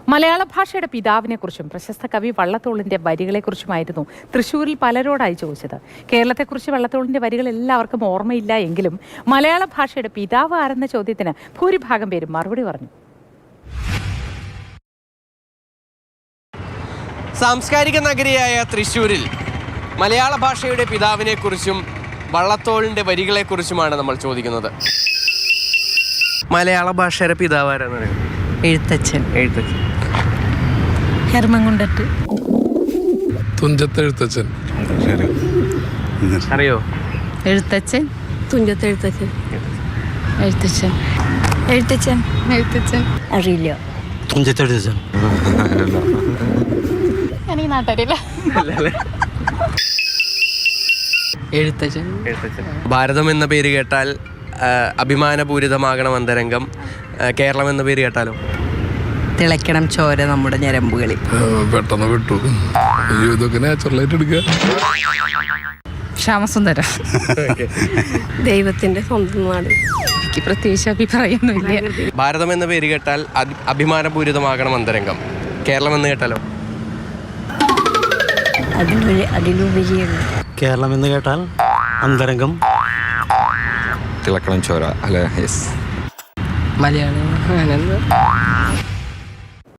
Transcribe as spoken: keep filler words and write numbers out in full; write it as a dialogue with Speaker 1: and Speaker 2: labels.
Speaker 1: മലയാള ഭാഷയുടെ പിതാവിനെക്കുറിച്ചും പ്രശസ്ത കവി വള്ളത്തോളിന്റെ വരികളെക്കുറിച്ചുമായിരുന്നു തൃശ്ശൂരിൽ പലരോടായി ചോദിച്ചത്. കേരളത്തെക്കുറിച്ച് വള്ളത്തോളിന്റെ വരികൾ എല്ലാവർക്കും ഓർമ്മയില്ല എങ്കിലും മലയാള ഭാഷയുടെ പിതാവ് ആരെന്ന ചോദ്യത്തിന് ഭൂരിഭാഗം പേരും മറുപടി പറഞ്ഞു.
Speaker 2: സാംസ്കാരിക നഗരിയായ തൃശ്ശൂരിൽ മലയാള ഭാഷയുടെ പിതാവിനെക്കുറിച്ചും വള്ളത്തോളിന്റെ വരികളെക്കുറിച്ചുമാണ് നമ്മൾ ചോദിക്കുന്നത്. മലയാള ഭാഷയുടെ പിതാവ് ആരാന്ന് പറയുന്നത്?
Speaker 3: എഴുത്തച്ഛൻ.
Speaker 2: എഴുത്തച്ഛൻ.
Speaker 3: ഹെർമൻകുണ്ടത്ത്.
Speaker 4: തുഞ്ചത്തെഴുത്തച്ഛൻ.
Speaker 2: അറിയോ?
Speaker 3: എഴുത്തച്ഛൻ.
Speaker 5: തുഞ്ചത്തെഴുത്തച്ഛൻ.
Speaker 3: എഴുത്തച്ഛൻ.
Speaker 5: എഴുത്തച്ഛൻ.
Speaker 3: എഴുത്തച്ഛൻ.
Speaker 5: അറിയില്ല.
Speaker 6: തുഞ്ചത്തെഴുത്തച്ഛൻ.
Speaker 3: എനിക്ക് നാട്ടറിയില്ല. എഴുത്തച്ഛൻ.
Speaker 2: ഭാരതം എന്ന പേര് കേട്ടാൽ അഭിമാനപൂരിതമാകണം അന്തരംഗം. കേരളം എന്ന പേര് കേട്ടാലോ?
Speaker 3: തിളയ്ക്കണം ചോര നമ്മുടെ ഞരമ്പുകളിൽ.
Speaker 4: പെട്ടെന്ന് വിട്ടു. ഇതൊക്കെ നാച്ചുറലായിട്ട് എടുക്കുക.
Speaker 3: ശ്യാമസുന്ദരം.
Speaker 5: ദൈവത്തിന്റെ സ്വന്തം നാട്.
Speaker 3: എനിക്ക് പ്രത്യേകിച്ച് അഭിപ്രായമൊന്നുമില്ല.
Speaker 2: ഭാരതം എന്ന പേര് കേട്ടാൽ അഭിമാനപൂരിതമാകണം അന്തരംഗം. കേരളം എന്ന് കേട്ടാലോ?
Speaker 5: അതിലൊരു അതിലുപരിയാണ്.
Speaker 6: കേരളം എന്ന് കേട്ടാൽ അന്തരംഗം.
Speaker 7: തിളക്കണം ചോര അല്ലെ? യെസ്.
Speaker 3: മലയാളം.